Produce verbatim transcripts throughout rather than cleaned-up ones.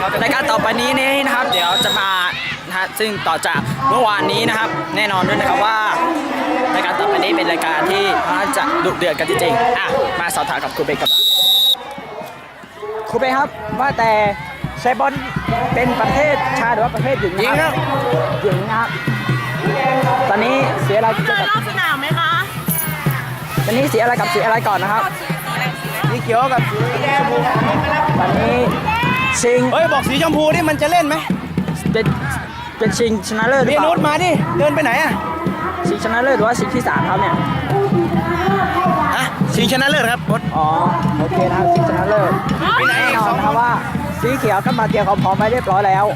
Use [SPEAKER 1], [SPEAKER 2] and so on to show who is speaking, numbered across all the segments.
[SPEAKER 1] ในการต่อไปนี้นี่นะครับเดี๋ยวจะมานะฮะซึ่งต่อจากเมื่อวานนี้นะครับแน่นอนด้วยนะครับว่ารายการต่อไปนี้เป็นรายการที่จะดุเดือดกันจริงๆอ่ะมาสอบถามกับครูเบย์กับครูเบย์ครับว่าแต่ไซบอลเป็นประเภทชายหรือว่าประเภทหญิงหญิงครับหญิงครับตอนนี้เสียอะไรกับ
[SPEAKER 2] รอบสนามไหมคะ
[SPEAKER 1] ตอนนี้สีอะไรกับสีอะไรก่อนนะครับ
[SPEAKER 3] สีเขียวกับสีชมพู
[SPEAKER 1] ตอนนี้ชิง
[SPEAKER 3] เฮ้ยบอกสีชมพูนี่มันจะเล่นไหม
[SPEAKER 1] เป็นเป็นชิงชนะเลิศหรือเปล่า
[SPEAKER 3] นุชมาดิเดินไปไหนอ่ะ
[SPEAKER 1] ชิงชนะเลิศหรือว่าชิงที่สามครับเนี่ย
[SPEAKER 3] ฮะชิงชนะเลิศครับ
[SPEAKER 1] อ๋อโอเคนะครับชิงชนะเลิศ
[SPEAKER 3] ไปไหน
[SPEAKER 1] แน่นอนนะครับว่าสีเขียวก็มาเตรียมความพร้อมไว้เรียบร้อยแล้ว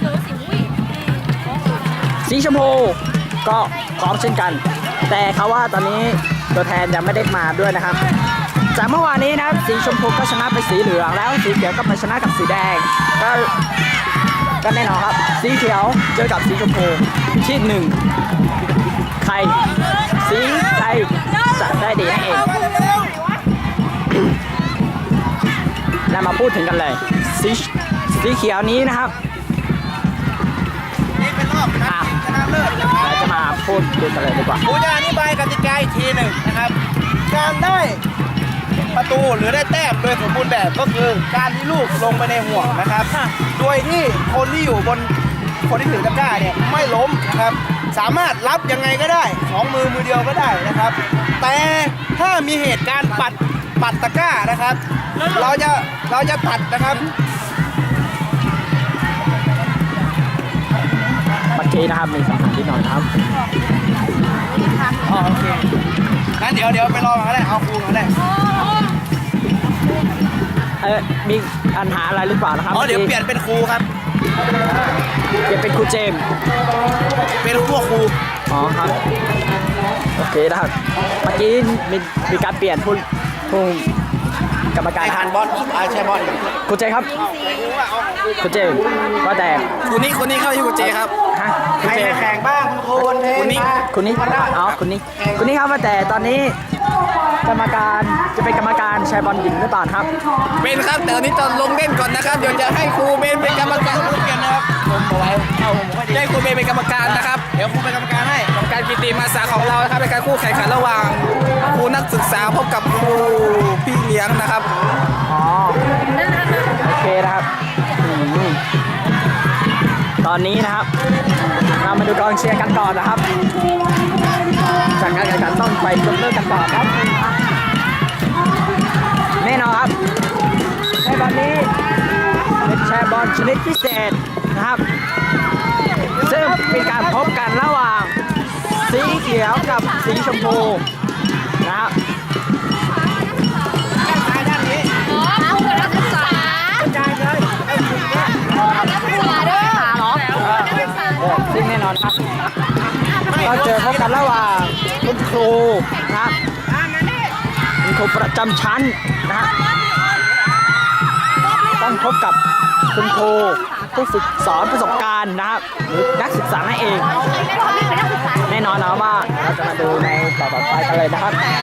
[SPEAKER 1] สีชมพูก็พร้อมเช่นกันแต่เขาว่าตอนนี้ตัวแทนยังไม่ได้มาด้วยนะครับจากเมื่อวานนี้นะครับสีชมพูก็ชนะไปสีเหลืองแล้วสีเขียวก็มาชนะกับสีแดงก็ก็แน่นอนครับสีเขียวเจอกับสีชมพูที่หนึ่งใครสีใครจะได้ดีนั่นเองแล้วมาพูดถึงกันเลยสีสีเขียวนี้นะครับ
[SPEAKER 3] นี่เป็นรอบชนะเลิศนะครับ
[SPEAKER 1] เราจะมาพูดดูกันเลยดีกว่า
[SPEAKER 3] ผมจะอธิบายกติกาอีกทีหนึ่งนะครับการได้ประตูหรือได้แต้มโดยสมบูรณ์แบบก็คือการที่ลูกลงไปในห่วงนะครับโดยที่คนที่อยู่บนคนที่ถือตะกร้าเนี่ยไม่ล้มนะครับสามารถรับยังไงก็ได้สองมือมือเดียวก็ได้นะครับแต่ถ้ามีเหตุการณ์ปัดปัดตะกร้านะครับเราจะเราจะตัดนะครับ
[SPEAKER 1] เมื่อกี้นะครับมีสัมผัสนิดหน่อยนะครับ
[SPEAKER 3] อ๋อโอเคงั้นเดี๋ยวเดี๋ยวไปรอมาได้เอาครูมาได้
[SPEAKER 1] เออมีปัญหาอะไรหรือเปล่านะครับ
[SPEAKER 3] อ๋อเดี๋ยวเปลี่ยนเป็นครูครับ
[SPEAKER 1] เปลี่ยนเป็นครูเจม
[SPEAKER 3] เป็นพวกครู
[SPEAKER 1] อ๋อครับโอเคนะครับเมื่อกี้มีมีการเปลี่ยนผู้ผู้กรรมการ
[SPEAKER 3] หันบอลอาใช่บอล
[SPEAKER 1] ครูเจครับครูเจว่าแต่
[SPEAKER 3] คุณนี้คุณนี้เข้าที่ครูเจครับ
[SPEAKER 1] ฮะ
[SPEAKER 3] ใครแข่งบ้างคุณครูคุณนี้
[SPEAKER 1] คุณนี้อ๋อคุณนี้คุณนี้ครับว่าแต่ตอนนี้กรรมการจะเป็นกรรมการชายบอลหญิงหรือเปล่าครับ
[SPEAKER 3] เป็นครับแต่ตอนนี้จะลงเล่นก่อนนะครับเดี๋ยวจะให้ครูเบนเป็นกรรมการกันนะครับผมเอาไว้เอาผมก็ได้ครูเบนเป็นกรรมการนะครับเดี๋ยวครูเป็นกรรมการให้กรรมการกิติมาสาของเรานะครับในการคู่แข่งขันระหว่างครูนักศึกษาพบกับครูพี่เลี้ยงนะครับ
[SPEAKER 1] อ๋อโอเคนะครับตอนนี้นะครับเรามาดูกองเชียร์กันก่อนนะครับจากการแข่งขันต้องไปยกเลิกกันก่อนครับแน่นอนครับแชร์บอลนี้เป็นแชร์บอลชนิดพิเศษนะครับซึ่งเป็นการพบกันระหว่างสีเขียวกับสีชมพูนะครับซึ่งแน่นอนครับก็เจอพบกันระหว่างคุณครูนะครับคุณครูประจำชั้นนะครับต้องพบกับคุณครูผู้ฝึกสอนประสบการณ์นะครับหรือนักศึกษานั่นเองแน่นอนนะว่าเราจะมาดูในต่อๆไปกันเลยนะครับ